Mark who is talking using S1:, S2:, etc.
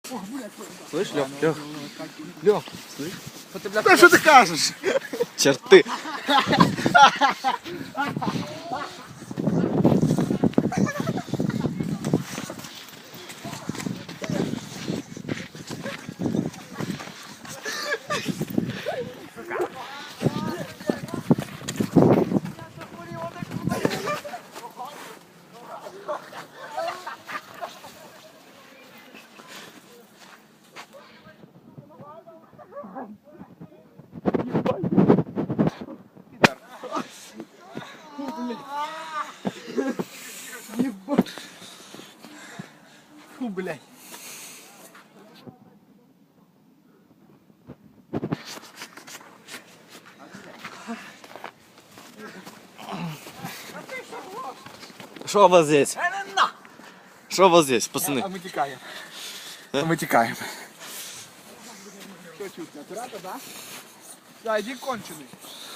S1: Слышь, Лёх? Лёх, слышь?
S2: Да что ты кажешь?
S1: Черты.
S2: Фу, блядь.
S1: Что у вас здесь? Что у вас здесь, пацаны?
S2: А мы текаем. А мы текаем. Что чувствуешь? Аккуратно, да? Да, иди конченый.